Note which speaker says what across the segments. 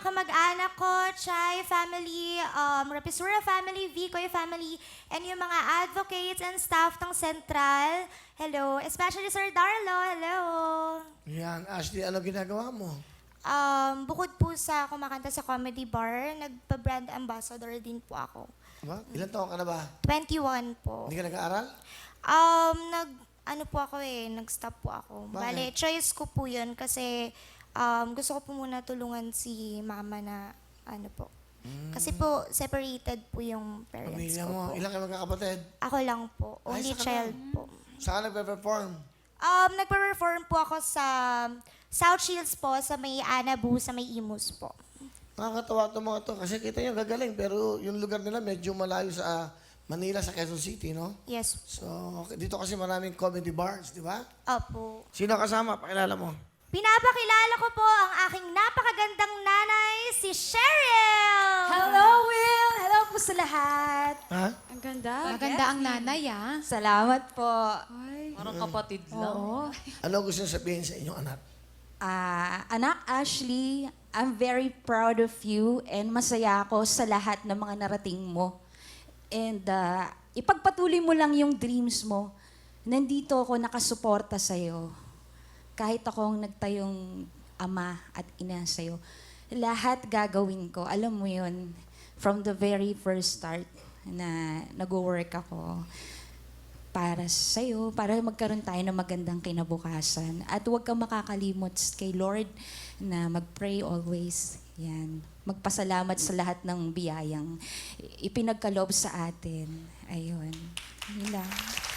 Speaker 1: kamag-anak ko, Chay family, Rapisura family, Vicoy family, and yung mga advocates and staff ng Central. Hello. Especially Sir Darlo. Hello.
Speaker 2: Yan, Ashley, ano ginagawa mo?
Speaker 1: Bukod po sa kumakanta sa comedy bar, nagpa-brand ambassador din po ako.
Speaker 2: Ba? Ilan taon ka na ba?
Speaker 1: 21 po.
Speaker 2: Hindi ka nag-aaral?
Speaker 1: Ano po ako nag-stop po ako.
Speaker 2: Bakit?
Speaker 1: Bale, choice ko po yun kasi gusto ko po muna tulungan si mama na ano po. Kasi po, separated po yung parents
Speaker 2: Pamilya
Speaker 1: ko
Speaker 2: mo,
Speaker 1: po.
Speaker 2: ilan kayo magkakapatid?
Speaker 1: Ako lang po.
Speaker 2: Ay,
Speaker 1: Only
Speaker 2: saka
Speaker 1: child
Speaker 2: lang.
Speaker 1: po.
Speaker 2: Saan ka nagpe-perform?
Speaker 1: Nagpa-perform po ako sa South Shields po, sa may Anabu, sa may Imus po.
Speaker 2: Nakakatawa itong mga to kasi kita nyo gagaling pero yung lugar nila medyo malayo sa Manila, sa Quezon City, no?
Speaker 1: Yes po.
Speaker 2: So, dito kasi maraming comedy bars, di ba?
Speaker 1: Opo.
Speaker 2: Sino kasama? Pakilala mo.
Speaker 1: Pinapakilala ko po ang aking napakagandang nanay, si Cheryl!
Speaker 3: Hello, Will! Hello po sa lahat.
Speaker 2: Ha?
Speaker 3: Ang ganda.
Speaker 4: Maganda ang nanay, ah.
Speaker 3: Salamat po.
Speaker 4: Ay.
Speaker 5: Parang kapatid lang.
Speaker 3: Oo.
Speaker 2: Ano gusto nyo sabihin sa inyong anak?
Speaker 3: Anak Ashley, I'm very proud of you and masaya ako sa lahat ng mga narating mo. And ipagpatuloy mo lang yung dreams mo. Nandito ako nakasuporta sa'yo. Kahit akong nagtayong ama at ina sa'yo. Lahat gagawin ko. Alam mo yun, from the very first start na nag-work ako para sa'yo, para magkaroon tayo ng magandang kinabukasan. At huwag kang makakalimot kay Lord na mag-pray always. Yan. Magpasalamat sa lahat ng biyayang ipinagkaloob sa atin. Ayun. Yun lang.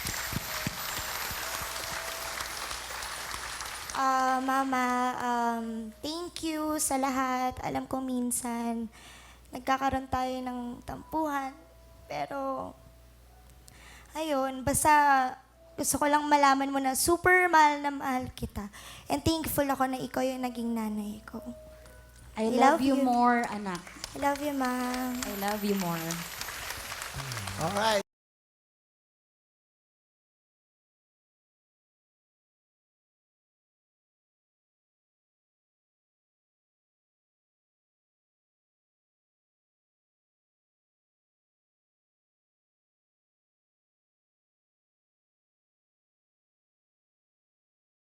Speaker 1: Mama, thank you sa lahat. Alam ko minsan, nagkakaroon tayo ng tampuhan. Pero, ayun, basta gusto ko lang malaman mo na super mahal na mahal kita. And thankful ako na ikaw yung naging nanay ko.
Speaker 3: I love you more, anak.
Speaker 1: I love you, Mom.
Speaker 3: I love you more.
Speaker 2: Alright.